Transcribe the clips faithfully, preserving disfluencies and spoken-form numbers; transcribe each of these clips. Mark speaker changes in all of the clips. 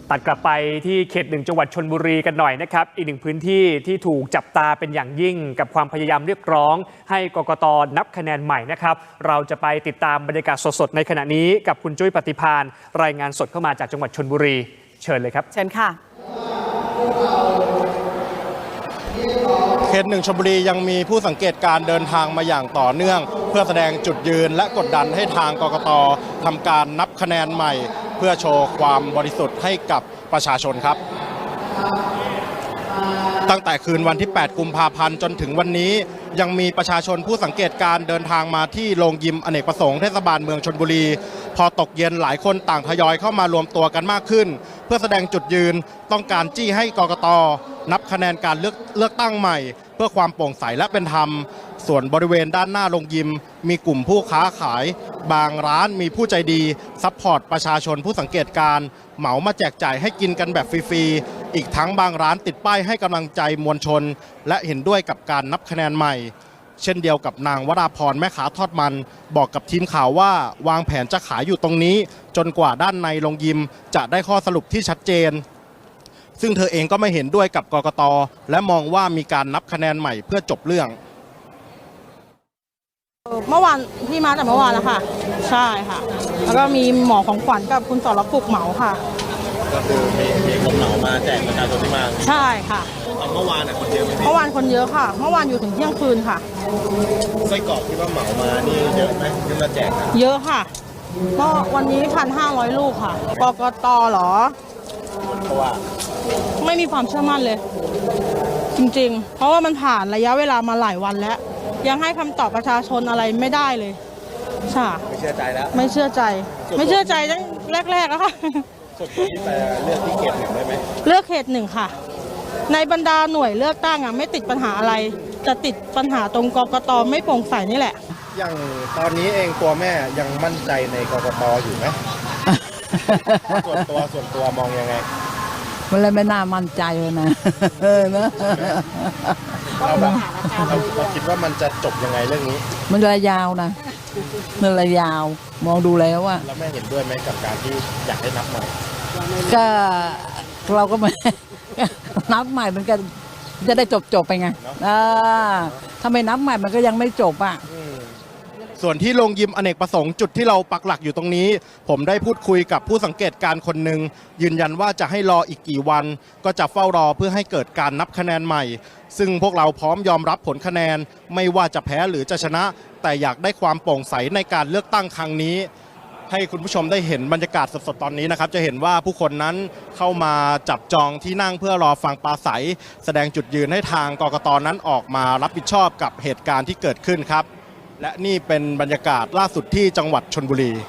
Speaker 1: ตัดกลับไปที่เขตหนึ่งจังหวัดชลบุรีกันหน่อยนะครับอีกหนึ่งพื้นที่ที่ถูกจับตาเป็นอย่างยิ่งกับความพยายามเรียกร้องให้กกต.นับคะแนนใหม่นะครับเราจะไปติดตามบรรยากาศสดๆในขณะนี้กับคุณจุ้ยปฏิภาณรายงานสดเข้ามาจากจังหวัดชลบุรีเชิญเลยครับ
Speaker 2: เชิญค่ะ
Speaker 3: เขตหนึ่งชลบุรียังมีผู้สังเกตการเดินทางมาอย่างต่อเนื่องเพื่อแสดงจุดยืนและกดดันให้ทางกกต.ทำการนับคะแนนใหม่เพื่อโชว์ความบริสุทธิ์ให้กับประชาชนครับตั้งแต่คืนวันที่แปดกุมภาพันธ์จนถึงวันนี้ยังมีประชาชนผู้สังเกตการเดินทางมาที่โรงยิมอเนกประสงค์เทศบาลเมืองชลบุรีพอตกเย็นหลายคนต่างทยอยเข้ามารวมตัวกันมากขึ้นเพื่อแสดงจุดยืนต้องการจี้ให้กกต.นับคะแนนการเลือกเลือกตั้งใหม่เพื่อความโปร่งใสและเป็นธรรมส่วนบริเวณด้านหน้าโรงยิมมีกลุ่มผู้ค้าขายบางร้านมีผู้ใจดีซัพพอร์ตประชาชนผู้สังเกตการเหมามาแจกจ่ายให้กินกันแบบฟรีๆอีกทั้งบางร้านติดป้ายให้กำลังใจมวลชนและเห็นด้วยกับการนับคะแนนใหม่เช่นเดียวกับนางวราพรแม่ค้าทอดมันบอกกับทีมข่าวว่าวางแผนจะขายอยู่ตรงนี้จนกว่าด้านในโรงยิมจะได้ข้อสรุปที่ชัดเจนซึ่งเธอเองก็ไม่เห็นด้วยกับกกต.และมองว่ามีการนับคะแนนใหม่เพื่อจบเรื่อง
Speaker 4: เมื่อวานพี่มาแต่เมื่อวานแล้วค่ะใช่ค่ะแล้วก็มีหมอของขวัญกับคุณสรปุกเหมาค่ะ
Speaker 3: ก็คือมีมีคนเหมามาแจกประชาชนที่มา
Speaker 4: ใช่ค่ะ
Speaker 3: เมื่อวานคนเยอะไหม
Speaker 4: เมื่อวานคนเยอะค่ะเมื่อวานอยู่ถึงเที่ยงคืนค่ะ
Speaker 3: ไส้กรอกที่ว่าเหมามานี่เยอะไหมที่มาแจก
Speaker 4: เยอะค่ะเมื่อวันนี้พันห้าร้อยลูกค่ะกกต.เหรอ
Speaker 3: เพราะว่า
Speaker 4: ไม่มีความเชื่อมั่นเลยจริงๆเพราะว่ามันผ่านระยะเวลามาหลายวันแล้วยังให้คำตอบประชาชนอะไรไม่ได้เลยใช่
Speaker 3: ไม่เชื่อใจแล้ว
Speaker 4: ไม่เชื่อใจไม่เชื่อใจตั้งแรกๆแล้วค่ะ
Speaker 3: ส่วนตัวที่ไปเลือกที่เขตหนึ่งได้ไหม
Speaker 4: เลือกเขตหนึ่งค่ะในบรรดาหน่วยเลือกตั้งอ่ะไม่ติดปัญหาอะไรจะติดปัญหาตรงกกต.ไม่โปร่งใสนี่แหละ
Speaker 3: อย่างตอนนี้เองตัวแม่ยังมั่นใจในกกต.อยู่ไหม ส่วนตัวส่วนตัวมองยังไง
Speaker 5: มันเลยไม่น่ามั่นใจเลยนะเออนะ
Speaker 3: เราแบบเราเราคิดว่ามันจะจบยังไงเรื่องนี้
Speaker 5: มันระยาวนะมันระยาวมองดูแล้วว่า
Speaker 3: แล้วแม่เห็นด้วยไหมกับการที่อยากให้นับใหม่
Speaker 5: ก็เราก็ไม่นับใหม่มันก็จะได้จบจบไปไงถ้าไม่นับใหม่มันก็ยังไม่จบอ่ะ
Speaker 3: ส่วนที่โรงยิมอเนกประสงค์จุดที่เราปักหลักอยู่ตรงนี้ผมได้พูดคุยกับผู้สังเกตการคนหนึ่งยืนยันว่าจะให้รออีกกี่วันก็จะเฝ้ารอเพื่อให้เกิดการนับคะแนนใหม่ซึ่งพวกเราพร้อมยอมรับผลคะแนนไม่ว่าจะแพ้หรือจะชนะแต่อยากได้ความโปร่งใสในการเลือกตั้งครั้งนี้ให้คุณผู้ชมได้เห็นบรรยากาศสดๆตอนนี้นะครับจะเห็นว่าผู้คนนั้นเข้ามาจับจองที่นั่งเพื่อรอฟังปราศรัยแสดงจุดยืนให้ทางกกต.นั้นออกมารับผิดชอบกับเหตุการณ์ที่เกิดขึ้นครับและนี่เป็นบรรยากาศล่าสุดที่จังหวัดชลบุรี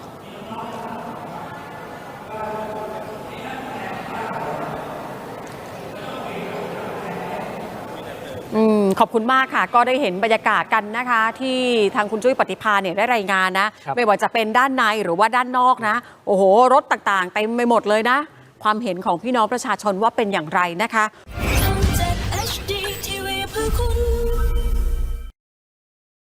Speaker 2: อืมขอบคุณมากค่ะก็ได้เห็นบรรยากาศกันนะคะที่ทางคุณจุ้ยปฏิภาณเนี่ยได้รายงานนะไม่ว่าจะเป็นด้านในหรือว่าด้านนอกนะโอ้โหรถต่างๆเต็มไปหมดเลยนะความเห็นของพี่น้องประชาชนว่าเป็นอย่างไรนะคะ